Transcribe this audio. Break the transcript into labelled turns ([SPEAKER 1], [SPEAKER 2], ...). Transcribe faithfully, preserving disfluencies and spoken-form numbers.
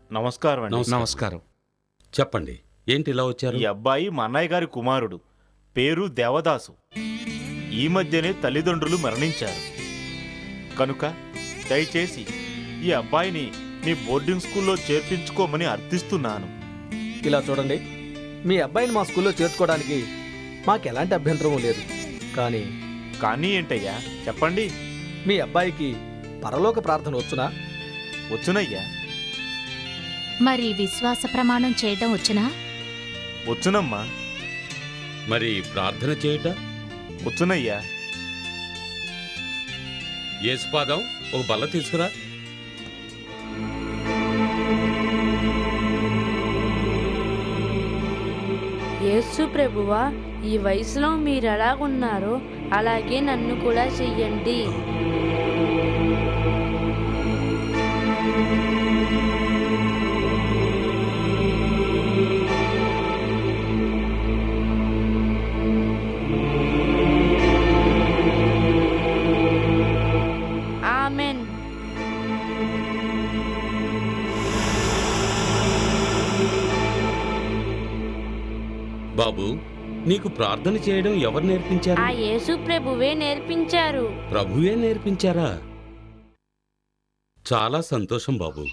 [SPEAKER 1] నమస్కారం అండి.
[SPEAKER 2] నమస్కారం.
[SPEAKER 3] నమస్కారం.
[SPEAKER 2] చెప్పండి, ఏంటి ఇలా వచ్చారు?
[SPEAKER 1] ఈ అబ్బాయి మా అన్నయ్య గారి కుమారుడు, పేరు దేవదాసు. ఈ మధ్యనే తల్లిదండ్రులు మరణించారు కనుక దయచేసి ఈ అబ్బాయిని మీ బోర్డింగ్ స్కూల్లో చేర్పించుకోమని అర్థిస్తున్నాను.
[SPEAKER 4] ఇలా చూడండి, మీ అబ్బాయిని మా స్కూల్లో చేర్చుకోవడానికి మాకెలాంటి అభ్యంతరమూ లేదు. కానీ
[SPEAKER 1] కానీ ఏంటయ్యా చెప్పండి.
[SPEAKER 4] మీ అబ్బాయికి పరలోక ప్రార్థన వచ్చునా?
[SPEAKER 1] వచ్చునయ్యా.
[SPEAKER 5] మరి విశ్వాస ప్రమాణం చేయటం వచ్చునా?
[SPEAKER 1] వచ్చునమ్మా.
[SPEAKER 2] మరి ప్రార్థన చేయుట?
[SPEAKER 1] వచ్చునయ్యా.
[SPEAKER 2] యేసుపాదం, ఒక బల్ల తీసుకురా.
[SPEAKER 6] యేసు ప్రభువా, ఈ వయసులో మీరు ఎలాగున్నారో అలాగే నన్ను కూడా చెయ్యండి. ఆమెన్.
[SPEAKER 2] బాబు, నీకు ప్రార్థన చేయడం ఎవరు నేర్పించారు?
[SPEAKER 6] ఆ యేసు ప్రభువే నేర్పించారు.
[SPEAKER 2] ప్రభువే నేర్పించారా? చాలా సంతోషం బాబు.